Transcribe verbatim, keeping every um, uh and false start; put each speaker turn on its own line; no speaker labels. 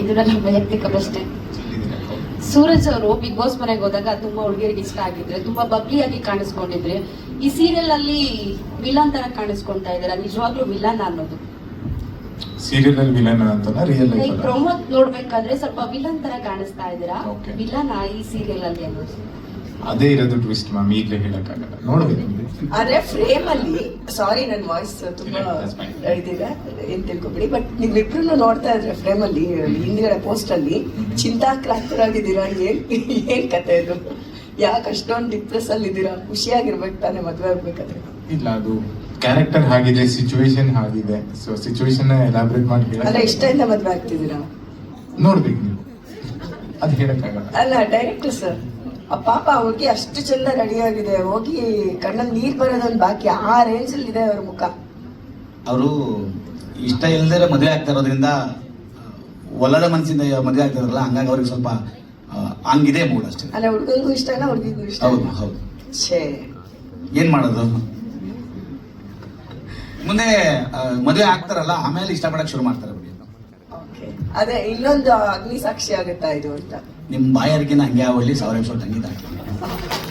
ಇದು ನನ್ನ ವೈಯಕ್ತಿಕ ಪ್ರಶ್ನೆ. ಸೂರಜ್ ಅವರು ಬಿಗ್ ಬಾಸ್ ಮನೆಗೆ ಹೋದಾಗ ತುಂಬಾ ಹುಡುಗಿಯರಿಗೆ ಇಷ್ಟ ಆಗಿದ್ರೆ, ತುಂಬಾ ಬಬ್ಲಿಯಾಗಿ ಕಾಣಿಸ್ಕೊಂಡಿದ್ರೆ, ಈ ಸೀರಿಯಲ್ ಅಲ್ಲಿ ವಿಲನ್ ತರ ಕಾಣಿಸ್ಕೊಂತಾ ಇದಾರೆ. ನಿಜವಾಗ್ಲೂ ವಿಲನ್ ಅನ್ನೋದು
ಸೀರಿಯಲ್ ಅಲ್ಲಿ ವಿಲನ್ ಅಂತಲ್ಲ, ರಿಯಲ್ ಲೈಫ್
ಲೈಕ್ ಪ್ರೊಮೋ ನೋಡ್ಬೇಕಾದ್ರೆ ಸ್ವಲ್ಪ ವಿಲನ್ ತರ ಕಾಣಿಸ್ತಾ ಇದ್ದೀರಾ.
Okay.
ವಿಲನ್ ಈ ಸೀರಿಯಲ್ ಅಲ್ಲಿ ಅನ್ನೋದು
ಅದೇ ಇರೋದು ಟ್ವಿಸ್ಟ್ ಮ್ಯಾಮ್, ಈಗಲೇ ಹೇಳಕ್ಕಾಗಲ್ಲ, ನೋಡ್ಬೇಕು.
ಆದ್ರೆ ಫ್ರೇಮ್ ಅಲ್ಲಿ, ಸಾರಿ ನನ್ನ ವಾಯ್ಸ್ ತುಂಬಾ
ಇಲ್ಲ, that's fine.
ಇದಿದೆ ಏನ್ ತಿಳ್ಕೊಬಿಡಿ, ಬಟ್ ನೀವಿಬ್ರು ನೋಡ್ತಾ ಇದ್ರೆ ಫ್ರೇಮ್ ಅಲ್ಲಿ ಹಿಂದ್ಗಡೆ ಪೋಸ್ಟ್ ಅಲ್ಲಿ ಚಿಂತಾಕ್ರಾಂತರಾಗಿದ್ದೀರಾ. ಏನ್ ಏನ್ ಕತೆ ಇದು? ಯಾಕೆ ಅಷ್ಟೊಂದು ಡಿಪ್ರೆಸ್ ಅಲ್ಲಿ ಇದ್ದೀರಾ? ಖುಷಿಯಾಗಿರ್ಬೇಕು ತಾನೇ ಮದ್ವೆ ಆಗ್ಬೇಕಾದ್ರೆ.
ಇಲ್ಲ, ಅದು ಕ್ಯಾರೆಕ್ಟರ್ ಹಾಗಿದೆ, ಸಿಚುವೇಶನ್ ಹಾಗಿದೆ. ಸೊ ಸಿಚುವೇಶನ್ ಎಲಾಬ್ರೇಟ್ ಮಾಡಿ
ಅಲ್ಲ,
ಹೇಳ
ಇಷ್ಟದಿಂದ ಮದ್ವೆ ಆಗ್ತಿದ್ದೀರಾ?
ನೋಡ್ಬೇಕು ನೀವು, ಅದು ಹೇಳಕ್ಕಾಗಲ್ಲ.
ಅಲ್ಲ ಡೈರೆಕ್ಟರ್ ಸರ್, ಆ ಪಾಪ ಹುಡುಗಿ ಅಷ್ಟು ಚಂದ ರೆಡಿ ಆಗಿದೆ, ಹೋಗಿ ಕಣ್ಣಲ್ಲಿ ನೀರ್ ಬರೋದೊಂದು ಬಾಕಿ, ಆ ರೇಂಜ್ ಅಲ್ಲಿ ಇದೆ ಅವ್ರ ಮುಖ.
ಅವರು ಇಷ್ಟ ಇಲ್ಲದೆ ಮದುವೆ ಆಗ್ತಾ ಇರೋದ್ರಿಂದ, ಒಲ್ಲದ ಮನಸ್ಸಿಂದ ಮದುವೆ ಆಗ್ತಾ ಇರೋಲ್ಲ, ಹಂಗಾಗಿ ಅವ್ರಿಗೆ ಸ್ವಲ್ಪ ಆ, ಹಂಗಿದೆ ಮೂಡ್ ಅಷ್ಟೇ.
ಅಲ್ಲ, ಹುಡುಗಂಗೂ ಇಷ್ಟ ಇಲ್ಲ, ಹುಡುಗಿಗೂ ಇಷ್ಟ.
ಹೌದು ಹೌದು.
ಛೇ,
ಏನ್ ಮಾಡೋದು? ಮುಂದೆ ಆ, ಮದುವೆ ಆಗ್ತಾರಲ್ಲ, ಆಮೇಲೆ ಇಷ್ಟಪಡಕ್ ಶುರು ಮಾಡ್ತಾರೆ ಬಿಡಿ.
ಓಕೆ, ಅದೇ ಇನ್ನೊಂದು ಅಗ್ನಿ ಸಾಕ್ಷಿ ಆಗುತ್ತಾ ಇದು ಅಂತ.
ನಿಮ್ ಬಾಯಾರಿಕೆನ ಹಂಗೆ ಆವಲ್ಲಿ ಸಾವಿರ ಎಪಿಸೋಡ್ ತಂಗಿದ್ದಾರೆ.